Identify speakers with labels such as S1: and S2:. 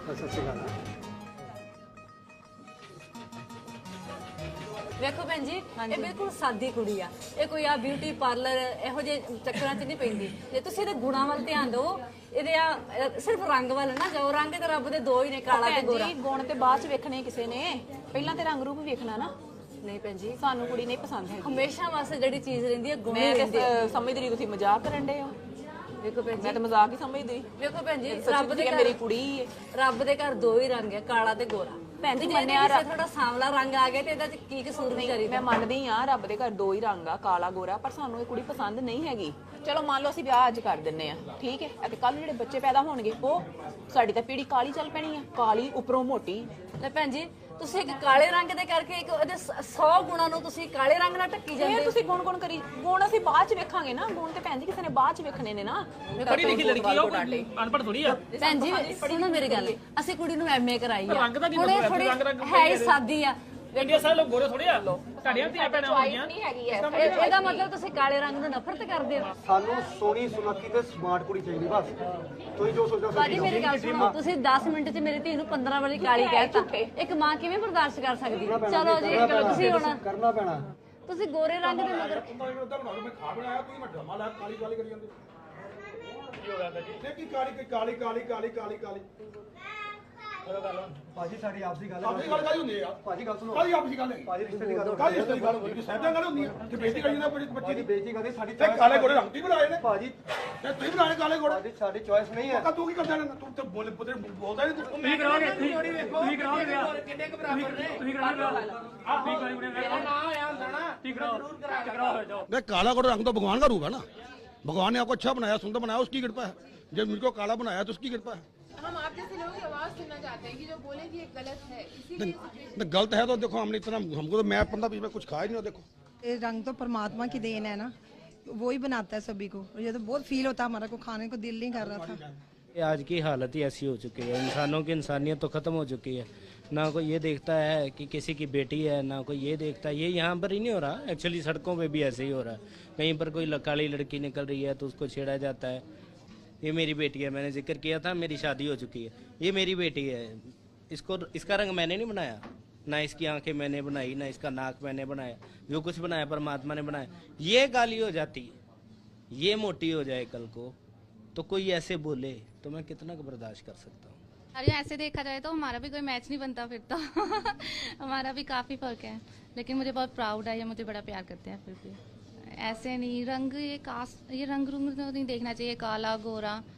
S1: सत श्री अकाल।
S2: ਵੇਖੋ ਭੈਣ ਜੀ ਇਹ ਬਿਲਕੁਲ ਸਾਦੀ ਕੁੜੀ ਆ, ਇਹ ਕੋਈ ਆ ਬਿਊਟੀ ਪਾਰਲਰ ਇਹੋ ਜਿਹੇ ਚੱਕਰਾਂ 'ਚ ਨਹੀਂ ਪੈਂਦੀ। ਜੇ ਤੁਸੀਂ ਇਹਦੇ ਗੁਣਾਂ ਵੱਲ ਧਿਆਨ ਦਿਓ, ਇਹਦੇ ਆ ਸਿਰਫ ਰੰਗ ਵੱਲ ਨਾ ਜਾਓ। ਰੰਗ ਤੇ ਰੱਬ ਦੇ ਦੋ ਹੀ ਨੇ, ਕਾਲਾ ਤੇ ਗੋਰਾ।
S3: ਗੁਣ ਤੇ ਬਾਅਦ ਚ ਵੇਖਣੇ ਕਿਸੇ ਨੇ, ਪਹਿਲਾਂ ਤੇ ਰੰਗ ਰੂਪ ਵੇਖਣਾ ਨਾ।
S2: ਨਹੀਂ ਭੈਣ ਜੀ,
S3: ਸਾਨੂੰ ਕੁੜੀ ਨਹੀਂ ਪਸੰਦ ਹੈ।
S2: ਹਮੇਸ਼ਾ ਵਾਸਤੇ ਜਿਹੜੀ ਚੀਜ਼ ਰਹਿੰਦੀ ਹੈ ਗੁਣ
S3: ਮੈਂ
S2: ਰਹਿੰਦੀ ਹੈ।
S3: ਤੇ ਸਮਝਦੀ ਰਹੀ ਤੁਸੀਂ ਮਜ਼ਾਕ ਕਰਨ ਦੇ ਹੋ।
S2: ਵੇਖੋ ਭੈਣ
S3: ਮੈਂ
S2: ਜੀ,
S3: ਤਾਂ ਮਜ਼ਾਕ ਹੀ ਸਮਝਦੀ।
S2: ਵੇਖੋ ਭੈਣ ਜੀ,
S3: ਰੱਬ ਦੇ ਮੇਰੀ ਕੁੜੀ ਹੈ।
S2: ਰੱਬ ਦੇ ਘਰ ਦੋ ਹੀ ਰੰਗ ਹੈ, ਕਾਲਾ ਤੇ ਗੋਰਾ।
S3: ਭੈਣ ਜੀ
S2: ਮੰਨਿਆ ਥੋੜਾ ਸਾਂਵਲਾ ਰੰਗ ਆ ਗਿਆ ਤੇ ਇਹਦਾ ਚ ਕੀ ਕਸੂਰ ਵਿਚਾਰੀ ਦਾ?
S3: ਮੈਂ ਮੰਨਦੀ ਆ ਰੱਬ ਦੇ ਘਰ ਦੋ ਹੀ ਰੰਗ ਆ, ਕਾਲਾ ਗੋਰਾ, ਪਰ ਸਾਨੂੰ ਇਹ ਕੁੜੀ ਪਸੰਦ ਨਹੀਂ ਹੈਗੀ। ਚਲੋ ਮੰਨ ਲਓ ਅਸੀਂ ਵਿਆਹ ਅੱਜ ਕਰ ਦਿੰਨੇ ਆ, ਠੀਕ ਹੈ, ਅਤੇ ਕੱਲ ਜਿਹੜੇ ਬੱਚੇ ਪੈਦਾ ਹੋਣਗੇ ਉਹ ਸਾਡੀ ਤਾਂ ਪੀੜੀ ਕਾਲੀ ਚੱਲ ਪੈਣੀ ਆ, ਕਾਲੀ ਉੱਪਰੋਂ ਮੋਟੀ।
S2: ਲੈ ਭੈਣ ਜੀ, ਤੁਸੀਂ ਇੱਕ ਕਾਲੇ ਰੰਗ ਦੇ ਕਰਕੇ ਇੱਕ ਉਹਦੇ 100 ਗੁਣਾਂ ਨੂੰ ਤੁਸੀਂ ਕਾਲੇ ਰੰਗ ਨਾਲ ਢੱਕੀ ਜਾਂਦੇ।
S3: ਇਹ ਤੁਸੀਂ ਗੁਣ ਕਰੀ, ਗੁਣ ਅਸੀਂ ਬਾਅਦ ਚ ਵੇਖਾਂਗੇ ਨਾ। ਗੁਣ ਤੇ ਭੈਣ ਜੀ ਕਿਸੇ ਨੇ ਬਾਅਦ ਚ ਵੇਖਣੇ ਨੇ ਨਾ।
S4: ਪੜ੍ਹੀ ਲਿਖੀ ਲੜਕੀ ਆ, ਉਹ ਅਨਪੜ੍ਹ ਥੋੜੀ ਆ।
S2: ਭੈਣ ਜੀ ਸੁਣੋ ਮੇਰੀ ਗੱਲ, ਅਸੀਂ ਕੁੜੀ ਨੂੰ ਐਮਏ ਕਰਾਈ ਆ,
S4: ਰੰਗ ਦਾ ਕੀ
S2: ਹੁਣ ਇਹ ਥੋੜੀ ਹੈ ਹੀ ਸਾਦੀ ਆ।
S4: ਇੰਡੀਆ ਸਾਰੇ ਲੋਕ ਗੋਰੇ ਥੋੜੇ ਆ, ਤੁਹਾਡੀਆਂ ਧੀਆਂ ਭੈਣਾਂ ਹੋਣਗੀਆਂ।
S3: ਨਹੀਂ ਹੈਗੀ ਹੈ।
S2: ਇਹਦਾ ਮਤਲਬ ਤੁਸੀਂ ਕਾਲੇ ਰੰਗ ਨੂੰ ਨਫ਼ਰਤ ਕਰਦੇ ਹੋ?
S1: सानू सोनी सुनखी ते स्मार्ट कुड़ी चाहिए बस। तुम जो सोचो
S2: ਬਾਜੀ ਮੇਰੀ ਗੱਲ ਸੁਣੋ, ਤੁਸੀਂ 10 ਮਿੰਟ 'ਚ ਮੇਰੀ ਧੀ ਨੂੰ 15 ਵਾਰੀ ਕਾਲੀ ਕਹਿਤਾ, ਇੱਕ ਮਾਂ ਕਿਵੇਂ ਬਰਦਾਸ਼ਤ ਕਰ ਸਕਦੀ? ਚਲੋ ਜੀ ਤੁਸੀਂ ਹੁਣ
S1: करना पैना।
S2: ਤੁਸੀਂ ਗੋਰੇ ਰੰਗ ਦੇ ਮਗਰ ਭਾਜੀ ਸਾਡੀ ਆਪਸੀ ਗੱਲ ਹੈ।
S5: ਆਪਸੀ ਗੱਲ ਕਾਹਦੀ ਹੁੰਦੀ ਆ?
S1: ਭਾਜੀ ਗੱਲ ਸੁਣੋ।
S5: ਕਾਹਦੀ ਆਪਸੀ ਗੱਲ ਹੈ?
S1: ਭਾਜੀ ਰਿਸ਼ਤੇ ਦੀ ਗੱਲ
S5: ਕਾਹਦੀ ਰਿਸ਼ਤੇ ਦੀ ਗੱਲ ਹੁੰਦੀ? ਸਹਿਜਾਂ ਗੱਲ ਹੁੰਦੀ ਆ ਕਿ ਬੇਇੱਜ਼ਤੀ ਕਰੀ ਜਾਂਦਾ ਬੱਚੇ
S1: ਭਾਜੀ
S5: ਦੀ।
S1: ਬੇਇੱਜ਼ਤੀ ਕਰਦੇ ਸਾਡੀ
S5: ਤੇ ਕਾਲੇ ਗੋਰੇ ਰੰਗ ਤੀ ਬਣਾਏ ਨੇ
S1: ਭਾਜੀ
S5: ਤੇ ਤੁਸੀਂ ਬਣਾਏ ਕਾਲੇ ਗੋਰੇ।
S1: ਭਾਜੀ ਸਾਡੀ ਚੋਇਸ ਨਹੀਂ ਹੈ।
S5: ਪੱਕਾ ਤੂੰ ਕੀ ਕਰਦਾ ਨਾ? ਤੂੰ ਤੇ ਬੋਲਦਾ ਨਹੀਂ ਤੂੰ।
S4: ਤੁਸੀਂ ਕਰਾਓਗੇ, ਤੁਸੀਂ ਕਰਾਓਗੇ ਵਿਆਹ, ਕਿੰਨੇ ਕੁ ਬਰਾਬਰ ਨੇ? ਤੁਸੀਂ ਕਰਾਓਗੇ ਵਿਆਹ, ਆਹ ਤੁਸੀਂ ਕਰਾਓਗੇ ਵਿਆਹ, ਨਾ ਆਇਆ ਹੁੰਦਾ ਨਾ, ਠੀਕ ਕਰਾਓ ਜਾਓ।
S5: नहीं, काला गोरा रंग तो भगवान का रूप है ना। भगवान ने आपको अच्छा बनाया, सुंदर बनाया, उसकी कृपा है। जब मुझको काला बनाया तो उसकी कृपा है।
S6: हम आप जैसे लोगों की आवाज सुनना चाहते हैं कि जो बोले कि ये गलत है, इसीलिए
S5: नहीं, गलत है तो देखो, हमने इतना, हमको तो मैं 15-20 में कुछ खाया ही नहीं। देखो
S7: ये रंग तो परमात्मा की देन है ना, वो ही बनाता है सभी को। और ये तो बहुत फील होता है, हमारा को खाने को दिल नहीं कर रहा था।
S8: ये आज की हालत ही ऐसी हो चुकी है, इंसानों की इंसानियत तो ख़त्म हो चुकी है। ना कोई ये देखता है कि किसी की बेटी है, ना कोई ये देखता है। ये यहाँ पर ही नहीं हो रहा, एक्चुअली सड़कों पे भी ऐसे ही हो रहा है। कहीं पर कोई काली लड़की निकल रही है तो उसको छेड़ा जाता है। ये मेरी बेटी है, मैंने जिक्र किया था, मेरी शादी हो चुकी है, ये मेरी बेटी है, इसको इसका रंग मैंने नहीं बनाया, ना इसकी आंखें मैंने बनाई, ना इसका नाक मैंने बनाया। जो कुछ बनाया परमात्मा ने बनाया। ये काली हो जाती है, ये मोटी हो जाए कल को, तो कोई ऐसे बोले तो मैं कितना बर्दाश्त कर सकता हूँ।
S9: अरे ऐसे देखा जाए तो हमारा भी कोई मैच नहीं बनता फिर तो हमारा भी काफ़ी फर्क है, लेकिन मुझे बहुत प्राउड है, ये मुझे बड़ा प्यार करते हैं। फिर भी ऐसे नहीं, रंग ये रंग रुंग तो नहीं देखना चाहिए, काला गोरा